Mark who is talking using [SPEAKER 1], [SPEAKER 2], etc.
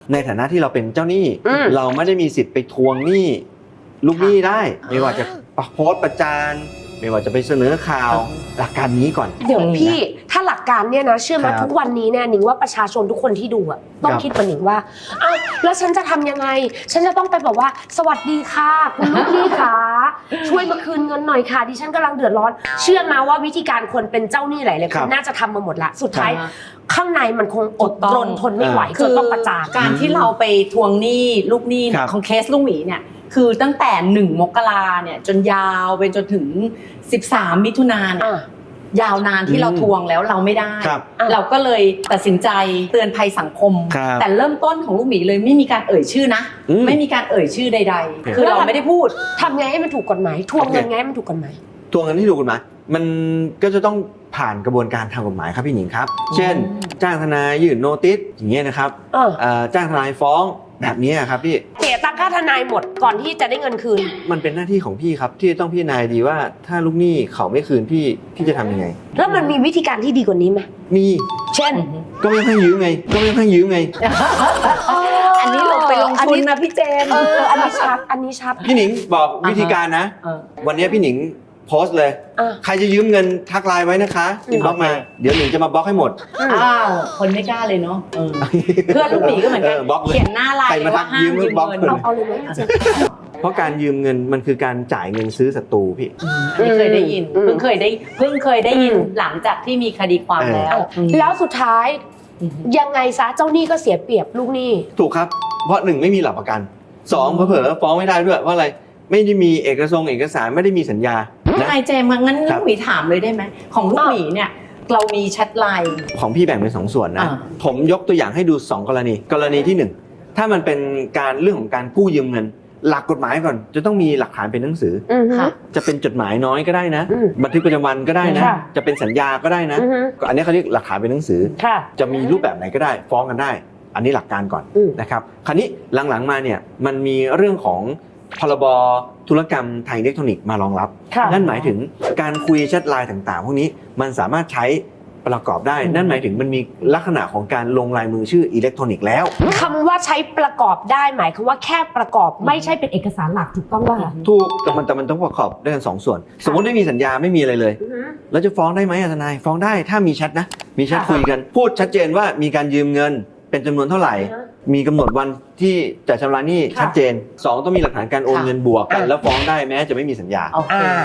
[SPEAKER 1] ในฐานะที่เราเป็นเจ้าหนี้เราไม่ได้มีสิทธิ์ไปทวงหนี้ลูกหนี้ได้ไม่ว่าจะโพสต์ประจานไม่ว่าจะไปเสนอข่าวหลักการนี้ก่อน
[SPEAKER 2] เดี๋ยวพี่ถ้าหลักการเนี่ยนะเชื่อไหมทุกวันนี้เนี่ยหนิงว่าประชาชนทุกคนที่ดูอะต้องคิดเหมือนหนิงว่าอ้าวแล้วฉันจะทำยังไงฉันจะต้องไปบอกว่าสวัสดีค่ะคุณลูกหนี้ค่ะช่วยมาคืนเงินหน่อยค่ะดิฉันกำลังเดือดร้อนเชื่อมาว่าวิธีการคนเป็นเจ้าหนี้หลายๆคนน่าจะทำมาหมดละสุดท้ายข้างในมันคงอดรนทนไม่ไหวจนต้องประจาน
[SPEAKER 3] การที่เราไปทวงหนี้ลูกหนี้ของเคสลูกหมีเนี่ยคือตั้งแต่1 มกราเนี่ยจนยาวไปจนถึง13 มิถุนายนยาวนานที่เราทวงแล้วเราไม่ได้เราก็เลยตัดสินใจเตือนภัยสังคมแต่เริ่มต้นของลูกหมีเลยไม่มีการเอ่ยชื่อนะไม่มีการเอ่ยชื่อใดๆคือเราไม่ได้พูด
[SPEAKER 2] ทำไงให้มันถูกกฎหมายทวงเงินไงให้มันถูกกฎหมาย
[SPEAKER 1] ทวงเงินที่ถูกกฎหมายมันก็จะต้องผ่านกระบวนการทางกฎหมายครับพี่หนิงครับเช่นจ้างทนายยื่นโนติสอย่างเงี้ยนะครับจ้างทนายฟ้องแบบนี้ครับพี่
[SPEAKER 2] เสียตังค่าทนายหมดก่อนที่จะได้เงินคืน
[SPEAKER 1] มันเป็นหน้าที่ของพี่ครับที่ต้องพิจารณาดีว่าถ้าลูกหนี้เขาไม่คืนพี่จะทำยังไง
[SPEAKER 2] แล้วมันมีวิธีการที่ดีกว่านี้ไหม
[SPEAKER 1] มี
[SPEAKER 2] เช่น
[SPEAKER 1] ก็ไม่ให้ยืมไง
[SPEAKER 3] อันนี้ลงไปลงทุนนะพี่เจม
[SPEAKER 2] อันนี้ชัด
[SPEAKER 1] พี่หนิงบอกวิธีการนะวันนี้พี่หนิงโพสต์เลยใครจะยืมเงินทักไลน์ไว้นะคะอินบ็อกมาเดี๋ยวหนิงจะมาบล็อกให้หมด
[SPEAKER 3] คนไม่กล้าเลยเนาะเพื่อนลูกหมีก็เหมือนกันเขียนหน้าไลน์ว่าห้ามยืมเงิน
[SPEAKER 2] เอาเลยไหม
[SPEAKER 1] เพราะการยืมเงินมันคือการจ่ายเงินซื้อศัตรูพี่
[SPEAKER 3] ไม่เคยได้ยินเพิ่งเคยได้ยินหลังจากที่มีคดีความ
[SPEAKER 2] แล้วสุดท้ายยังไงซะเจ้าหนี้ก็เสียเปรียบลูกหนี้
[SPEAKER 1] ถูกครับเพราะ1ไม่มีหลักประกัน2เผลอฟ้องไม่ได้ด้วยว่าอะไรไม่ได้มีเอกสารไม่ได้มีสัญญา
[SPEAKER 3] ไอเจมงั้นลูกหมีถามเลยได้ไหมของลูกหมีเนี่ยเรามีแชทไลน์
[SPEAKER 1] ของพี่แบ่งเป็น2 ส่วนนะผมยกตัวอย่างให้ดู2 กรณีที่1ถ้ามันเป็นการเรื่องของการกู้ยืมเงินหลักกฎหมายก่อนจะต้องมีหลักฐานเป็นหนังสือจะเป็นจดหมายน้อยก็ได้นะบันทึกประจำวันก็ได้นะจะเป็นสัญญาก็ได้นะอันนี้เขาเรียกหลักฐานเป็นหนังสือจะมีรูปแบบไหนก็ได้ฟ้องกันได้อันนี้หลักการก่อนนะครับคราวนี้หลังๆมาเนี่ยมันมีเรื่องของพรบธุรกรรมทางอิเล็กทรอนิกส์มารองรับนั่นหมายถึงการคุยแชทไลน์ต่างๆพวกนี้มันสามารถใช้ประกอบได้นั่นหมายถึงมันมีลักษณะของการลงลายมือชื่ออิเล็กทรอนิกส์แล้ว
[SPEAKER 2] คำว่าใช้ประกอบได้หมายคือว่าแค่ประกอบไม่ใช่เป็นเอกสารหลักถูกต้องว่า
[SPEAKER 1] ถูกแต่มันต้องประกอบด้วยกัน2 ส่วนสมมติไม่มีสัญญาไม่มีอะไรเลยแล้วจะฟ้องได้ไหมทนายฟ้องได้ถ้ามีแชทนะมีแชทคุยกันพูดชัดเจนว่ามีการยืมเงินเป็นจำนวนเท่าไหร่มีกำหนดวันที่จะชำระหนี้ชัดเจน2ต้องมีหลักฐานการโอนเงินบวกกันแล้วฟ้องได้แม้จะไม่มีสัญญา